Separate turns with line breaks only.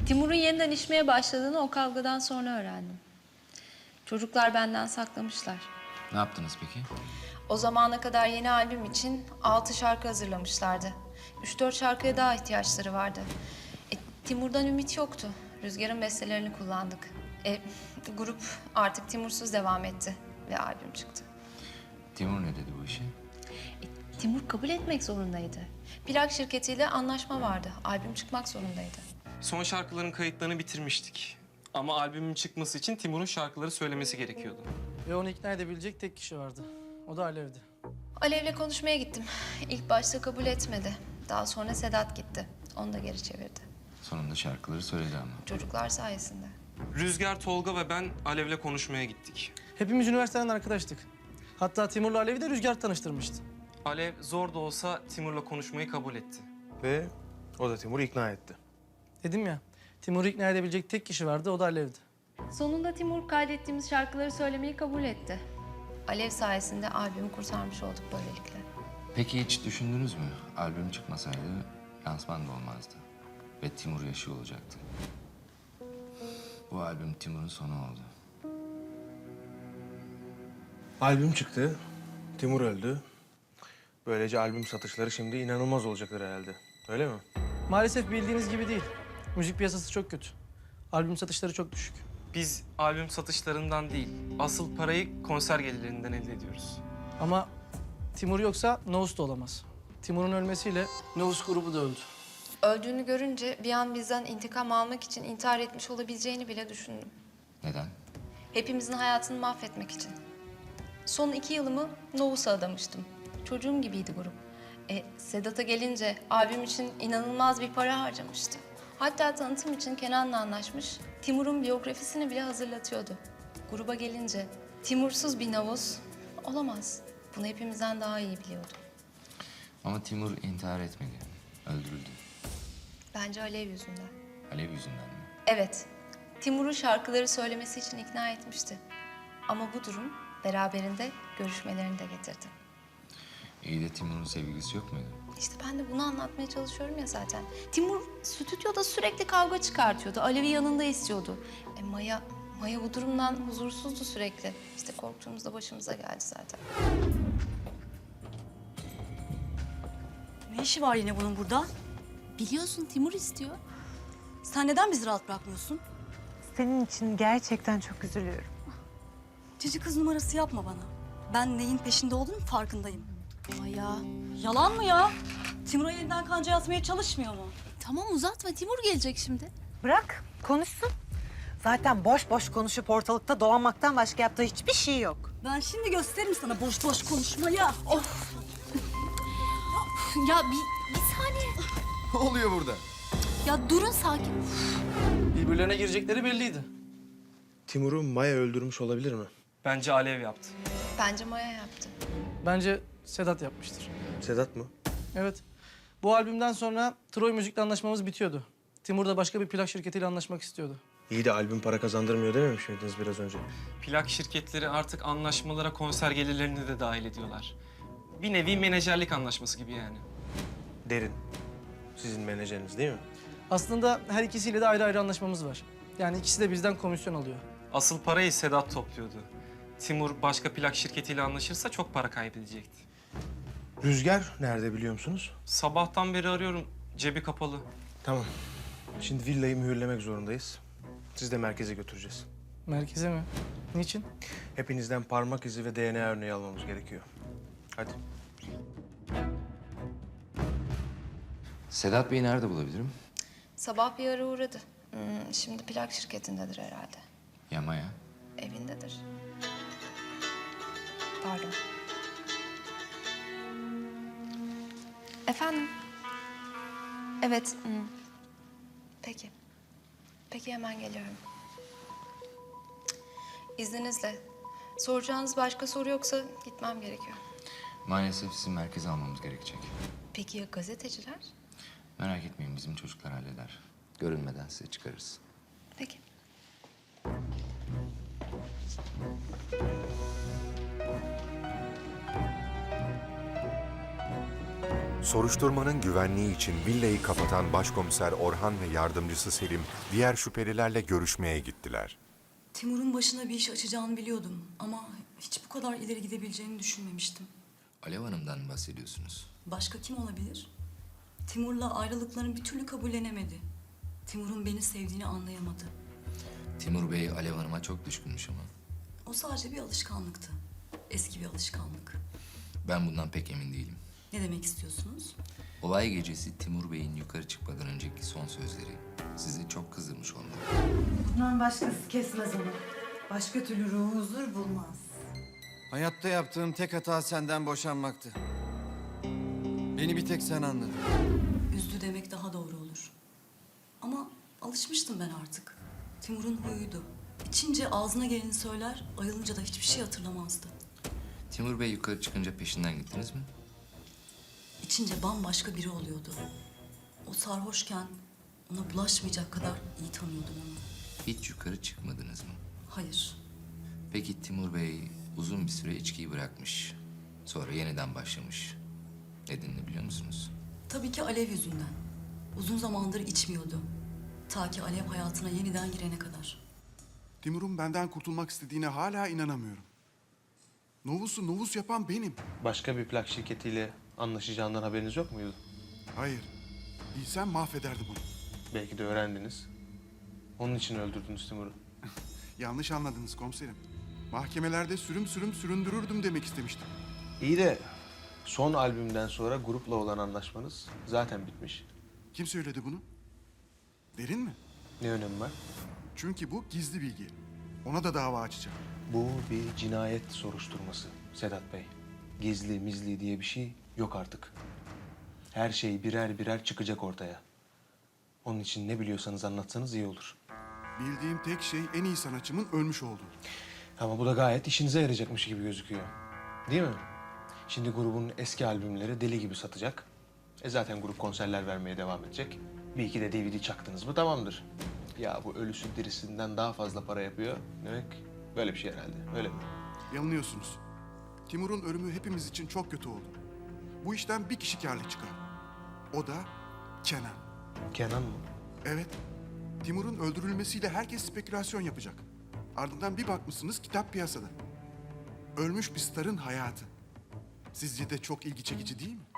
Timur'un yeniden içmeye başladığını o kavgadan sonra öğrendim. Çocuklar benden saklamışlar.
Ne yaptınız peki?
O zamana kadar yeni albüm için 6 şarkı hazırlamışlardı. 3-4 şarkıya daha ihtiyaçları vardı. Timur'dan ümit yoktu. Rüzgar'ın bestelerini kullandık. Grup artık Timur'suz devam etti ve albüm çıktı.
Timur ne dedi bu işe?
Timur kabul etmek zorundaydı. Plak şirketiyle anlaşma vardı. Albüm çıkmak zorundaydı.
Son şarkıların kayıtlarını bitirmiştik. Ama albümün çıkması için Timur'un şarkıları söylemesi gerekiyordu.
Ve onu ikna edebilecek tek kişi vardı. O da Alev'di.
Alev'le konuşmaya gittim. İlk başta kabul etmedi. Daha sonra Sedat gitti. Onu da geri çevirdi.
Sonunda şarkıları söyledi ama.
Çocuklar sayesinde.
Rüzgar, Tolga ve ben Alev'le konuşmaya gittik.
Hepimiz üniversiteden arkadaştık. Hatta Timur'la Alev'i de Rüzgar tanıştırmıştı.
Alev zor da olsa Timur'la konuşmayı kabul etti.
Ve o da Timur'u ikna etti.
Dedim ya, Timur'u ikna edebilecek tek kişi vardı, o da Alev'di.
Sonunda Timur kaydettiğimiz şarkıları söylemeyi kabul etti. Alev sayesinde albümü kurtarmış olduk böylelikle.
Peki hiç düşündünüz mü? Albüm çıkmasaydı lansman da olmazdı. Ve Timur yaşıyor olacaktı. Bu albüm Timur'un sonu oldu.
Albüm çıktı, Timur öldü. Böylece albüm satışları şimdi inanılmaz olacaktır herhalde. Öyle mi?
Maalesef bildiğiniz gibi değil. Müzik piyasası çok kötü. Albüm satışları çok düşük.
Biz albüm satışlarından değil, asıl parayı konser gelirlerinden elde ediyoruz.
Ama Timur yoksa Novus da olamaz. Timur'un ölmesiyle Novus grubu da öldü.
Öldüğünü görünce bir an bizden intikam almak için intihar etmiş olabileceğini bile düşündüm.
Neden?
Hepimizin hayatını mahvetmek için. Son 2 yılımı Novus'a adamıştım. Çocuğum gibiydi grup. Sedat'a gelince albüm için inanılmaz bir para harcamıştı. Hatta tanıtım için Kenan'la anlaşmış, Timur'un biyografisini bile hazırlatıyordu. Gruba gelince Timur'suz bir Novus olamaz. Bunu hepimizden daha iyi biliyordu.
Ama Timur intihar etmedi. Öldürüldü.
Bence Alev yüzünden.
Alev yüzünden mi?
Evet, Timur'u şarkıları söylemesi için ikna etmişti. Ama bu durum beraberinde görüşmelerini de getirdi.
İyi de Timur'un sevgilisi yok muydu?
İşte ben de bunu anlatmaya çalışıyorum ya zaten. Timur stüdyoda sürekli kavga çıkartıyordu. Alev'i yanında istiyordu. Maya bu durumdan huzursuzdu sürekli. İşte korktuğumuzda başımıza geldi zaten.
Ne işi var yine bunun burada?
Biliyorsun Timur istiyor.
Sen neden bizi rahat bırakmıyorsun?
Senin için gerçekten çok üzülüyorum.
Cici kız numarası yapma bana. Ben neyin peşinde olduğunun farkındayım.
Maya.
Yalan mı ya? Timur'a yeniden kanca atmaya çalışmıyor mu?
Tamam uzatma Timur gelecek şimdi.
Bırak, konuşsun. Zaten boş boş konuşup ortalıkta dolanmaktan başka yaptığı hiçbir şey yok.
Ben şimdi gösteririm sana boş boş konuşmayı. Of!
Ya bir saniye.
Ne oluyor burada?
Ya durun sakin.
Birbirlerine girecekleri belliydi.
Timur'u Maya öldürmüş olabilir mi?
Bence Alev yaptı.
Bence Maya yaptı.
Bence Sedat yapmıştır.
Sedat mı?
Evet. Bu albümden sonra Troy Müzik'le anlaşmamız bitiyordu. Timur da başka bir plak şirketiyle anlaşmak istiyordu.
İyi de albüm para kazandırmıyor dememiş miydiniz biraz önce?
Plak şirketleri artık anlaşmalara konser gelirlerini de dahil ediyorlar. Bir nevi menajerlik anlaşması gibi yani.
Derin. Sizin menajeriniz değil mi?
Aslında her ikisiyle de ayrı ayrı anlaşmamız var. Yani ikisi de bizden komisyon alıyor.
Asıl parayı Sedat topluyordu. Timur başka plak şirketiyle anlaşırsa çok para kaybedecekti.
Rüzgar nerede biliyor musunuz?
Sabahtan beri arıyorum, cebi kapalı.
Tamam. Şimdi villayı mühürlemek zorundayız. Siz de merkeze götüreceğiz.
Merkeze mi? Niçin?
Hepinizden parmak izi ve DNA örneği almamız gerekiyor. Hadi.
Sedat Bey'i nerede bulabilirim?
Sabah bir ara uğradı. Şimdi plak şirketindedir herhalde.
Ya Maya?
Evindedir. Pardon. Efendim? Evet. Peki. Peki hemen geliyorum. İzninizle. Soracağınız başka soru yoksa gitmem gerekiyor.
Maalesef sizi merkeze almamız gerekecek.
Peki ya gazeteciler?
Merak etmeyin bizim çocuklar halleder. Görünmeden size çıkarırız.
Peki.
Soruşturmanın güvenliği için villayı kapatan Başkomiser Orhan ve yardımcısı Selim diğer şüphelilerle görüşmeye gittiler.
Timur'un başına bir iş açacağını biliyordum ama hiç bu kadar ileri gidebileceğini düşünmemiştim.
Alev Hanım'dan bahsediyorsunuz.
Başka kim olabilir? Timur'la ayrılıklarını bir türlü kabullenemedi. Timur'un beni sevdiğini anlayamadı.
Timur Bey Alev Hanım'a çok düşkünmüş ama.
O sadece bir alışkanlıktı. Eski bir alışkanlık.
Ben bundan pek emin değilim.
Ne demek istiyorsunuz?
Olay gecesi Timur Bey'in yukarı çıkmadan önceki son sözleri sizi çok kızdırmış olmalı.
Bundan başkası kesmez onu. Başka türlü ruhu huzur bulmaz.
Hayatta yaptığım tek hata senden boşanmaktı. Beni bir tek sen anladın.
Üzdü demek daha doğru olur. Ama alışmıştım ben artık. Timur'un huyuydu. İçince ağzına geleni söyler, ayılınca da hiçbir şey hatırlamazdı.
Timur Bey yukarı çıkınca peşinden gittiniz mi?
İçince bambaşka biri oluyordu. O sarhoşken ona bulaşmayacak kadar iyi tanıyordum onu.
Hiç yukarı çıkmadınız mı?
Hayır,
Peki Timur Bey uzun bir süre içkiyi bırakmış. Sonra yeniden başlamış. Nedenini biliyor musunuz?
tabii ki Alev yüzünden. Uzun zamandır içmiyordu. Ta ki Alev hayatına yeniden girene kadar.
Timur'un benden kurtulmak istediğine hala inanamıyorum. Novus'u Novus yapan benim.
Başka bir plak şirketiyle anlaşacağından haberiniz yok muydu?
Hayır. Bilsem mahvederdim onu.
Belki de öğrendiniz. Onun için öldürdünüz Timur'u.
Yanlış anladınız komiserim. Mahkemelerde sürüm sürüm süründürürdüm demek istemiştim.
İyi de son albümden sonra grupla olan anlaşmanız zaten bitmiş.
Kim söyledi bunu? Derin mi?
Ne önemi var?
Çünkü bu gizli bilgi. Ona da dava açacağım.
Bu bir cinayet soruşturması Sedat Bey. Gizli mizli diye bir şey yok artık. Her şey birer birer çıkacak ortaya. Onun için ne biliyorsanız anlatsanız iyi olur.
Bildiğim tek şey en iyi sanatçımın ölmüş olduğu.
Ama bu da gayet işinize yarayacakmış gibi gözüküyor. Değil mi? Şimdi grubun eski albümleri deli gibi satacak. Zaten grup konserler vermeye devam edecek. Bir iki de DVD çaktınız mı tamamdır. Ya bu ölüsü dirisinden daha fazla para yapıyor. Demek böyle bir şey herhalde. Öyle mi?
Yanılıyorsunuz. Timur'un ölümü hepimiz için çok kötü oldu. Bu işten bir kişi kârlı çıkar. O da Kenan.
Kenan mı?
Evet. Timur'un öldürülmesiyle herkes spekülasyon yapacak. Ardından bir bakmışsınız kitap piyasada. Ölmüş bir starın hayatı. Sizce de çok ilgi çekici değil mi?